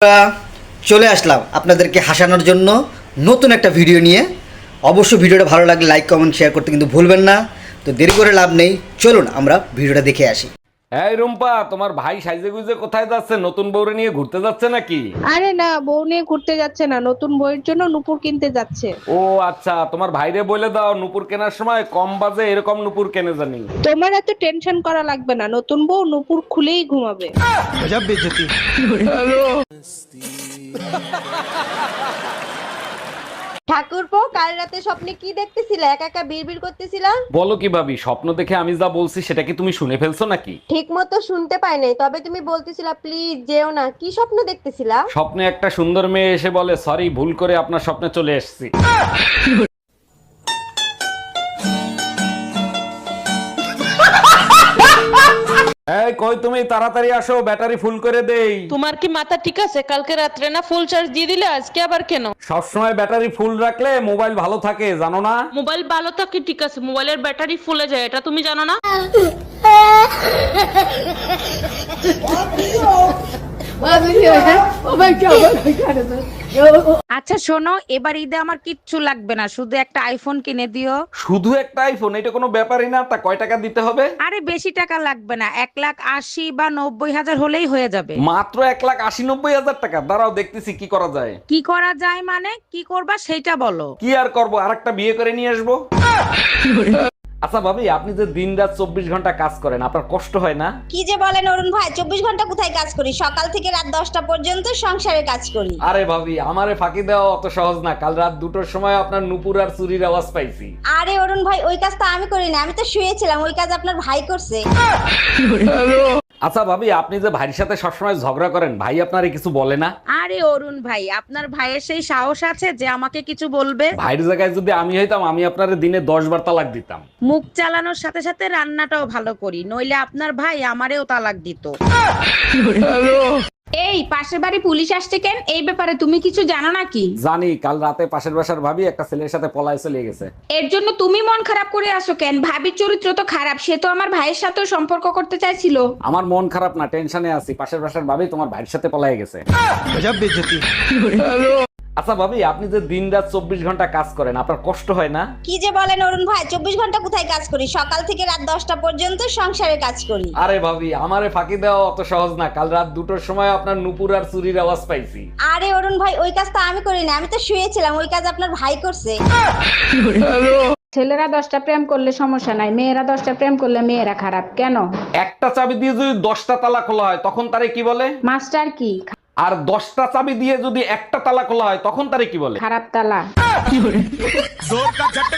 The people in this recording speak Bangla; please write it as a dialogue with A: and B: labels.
A: আমরা চলে আসলাম আপনাদেরকে হাসানোর জন্য নতুন একটা ভিডিও নিয়ে। অবশ্যই ভিডিওটা ভালো লাগলে লাইক কমেন্ট শেয়ার করতে কিন্তু ভুলবেন না। তো দেরি করে লাভ নেই, চলুন আমরা ভিডিওটা দেখে আসি।
B: এই রুম্পা, তোমার ভাই সাইজে গুইজে কোথায় যাচ্ছে? নতুন বউরে নিয়ে ঘুরতে যাচ্ছে নাকি?
C: আরে না, বউ নিয়ে ঘুরতে যাচ্ছে না, নতুন বইয়ের জন্য নুপুর কিনতে যাচ্ছে।
B: ও আচ্ছা, তোমার ভাইরে বলে দাও নুপুর কেনার সময় কম বাজে এরকম নুপুর কেনে জানি।
C: তোমার এত টেনশন করা লাগবে না, নতুন বউ নুপুর খুলেই ঘুমাবে।
D: ঠাকুরপো, কাল রাতে স্বপ্নে কি দেখতেছিলা? একা একা বিড়বিড় করতেছিলা?
B: বলো কি ভাবি, স্বপ্ন দেখে আমি যা বলছি সেটা কি তুমি শুনে ফেলছো নাকি?
D: ঠিক মতো শুনতে পাই নাই, তবে তুমি বলতেছিলা প্লিজ যেও না। কি স্বপ্ন দেখতেছিলা?
B: স্বপ্নে একটা সুন্দর মেয়ে এসে বলে সরি, ভুল করে আপনার স্বপ্নে চলে এসেছি। এই কই তুমি, তাড়াতাড়ি আসো, ব্যাটারি ফুল করে দেই।
E: তোমার কি মাথা ঠিক আছে? কালকে রাত্রে না ফুল চার্জ দিয়ে দিলে, আজকে আবার কেন?
B: সবসময় ব্যাটারি ফুল রাখলে মোবাইল ভালো থাকে, জানো না?
E: মোবাইল ভালো থাকে ঠিক আছে, মোবাইলের ব্যাটারি ফুলে যায়, এটা তুমি জানো না?
F: আচ্ছা শোনো, এবার ঈদে আমার কিচ্ছু লাগবে না, শুধু একটা আইফোন কিনে দিও।
B: শুধু একটা আইফোন? এটা কোনো ব্যাপারই না। তা কয় টাকা দিতে হবে?
F: আরে বেশি টাকা লাগবে না, 1,80,000 বা 90,000 হলেই হয়ে যাবে।
B: মাত্র 1,80,000-90,000 টাকা? দাঁড়াও দেখতেছি কি করা যায়।
F: কি করা যায় মানে? কি করবা সেইটা বলো।
B: কি আর করবো, আরেকটা বিয়ে করে নিয়ে আসবো। আচ্ছা ভাবি, আপনি যে দিন রাত 24 ঘন্টা কাজ করেন, আপনার কষ্ট হয় না?
D: কি যে বলেন অরুণ ভাই, 24 ঘন্টা কোথায় কাজ করি? সকাল থেকে রাত 10টা পর্যন্ত সংসারে কাজ করি।
B: আরে ভাবি, আমারে ফাঁকি দেওয়া অত সহজ না। কাল রাত 2টোর সময় আপনার নুপুর আর চুরির আওয়াজ পাইছি।
D: আরে অরুণ ভাই, ওই কাজ তো আমি করি না, আমি তো শুয়েছিলাম, ওই কাজ আপনার ভাই করছে।
B: আচ্ছা ভাবি, আপনি যে ভাইয়ের সাথে সবসময় ঝগড়া করেন, ভাই আপনারে কিছু বলে না?
F: আরে অরুণ ভাই, আপনার ভাইয়ের সেই সাহস আছে যে আমাকে কিছু বলবে?
B: ভাইয়ের জায়গায় যদি আমি হইতাম, আমি আপনারে দিনে 10 বার তালাক দিতাম।
F: মুখ চালানোর সাথে সাথে রান্নাটাও ভালো করি, নইলে আপনার ভাই আমারেও তালাক দিত। এই পাশের বাড়ি পুলিশ আসছে কেন? এই ব্যাপারে তুমি কিছু জানো নাকি?
B: জানি, কাল রাতে পাশের বাসার ভাবি একটা ছেলের সাথে পলায় চলে গেছে।
F: এর জন্য তুমি মন খারাপ করে আসো কেন? ভাবির চরিত্র তো খারাপ, সে তো আমার ভাইয়ের সাথেও সম্পর্ক করতে চাইছিল।
B: আমার মন খারাপ না, টেনশনে আছি। পাশের বাসার ভাবি তোমার ভাইয়ের সাথে পলায় গেছে। আচ্ছা ভাবি, আপনি যে দিন রাত 24 ঘন্টা কাজ করেন, আপনার কষ্ট হয় না?
D: কি যে বলেন অরুণ ভাই, 24 ঘন্টা কোথায় কাজ করি? সকাল থেকে রাত 10টা পর্যন্ত সংসারে কাজ করি।
B: আরে ভাবি, আমারে ফাঁকি দেওয়া অত সহজ না। কাল রাত 2টোর সময় আপনার নুপুর আর চুরির আওয়াজ পাইছি।
D: আরে অরুণ ভাই, ওই কাজ তো আমি করি না, আমি তো শুয়েছিলাম, ওই কাজ আপনার ভাই করছে।
G: ছেলেরা 10টা প্রেম করলে সমস্যা নাই, মেয়েরা 10টা প্রেম করলে মেয়েরা খারাপ কেন?
B: একটা চাবি দিয়ে যদি 10টা তালা খোলা হয়, তখন তারে কি বলে?
G: মাস্টার কি?
B: আর 10টা চাবি দিয়ে যদি একটা তালা খোলা হয়, তখন তারে কি বলে?
G: খারাপ তালা।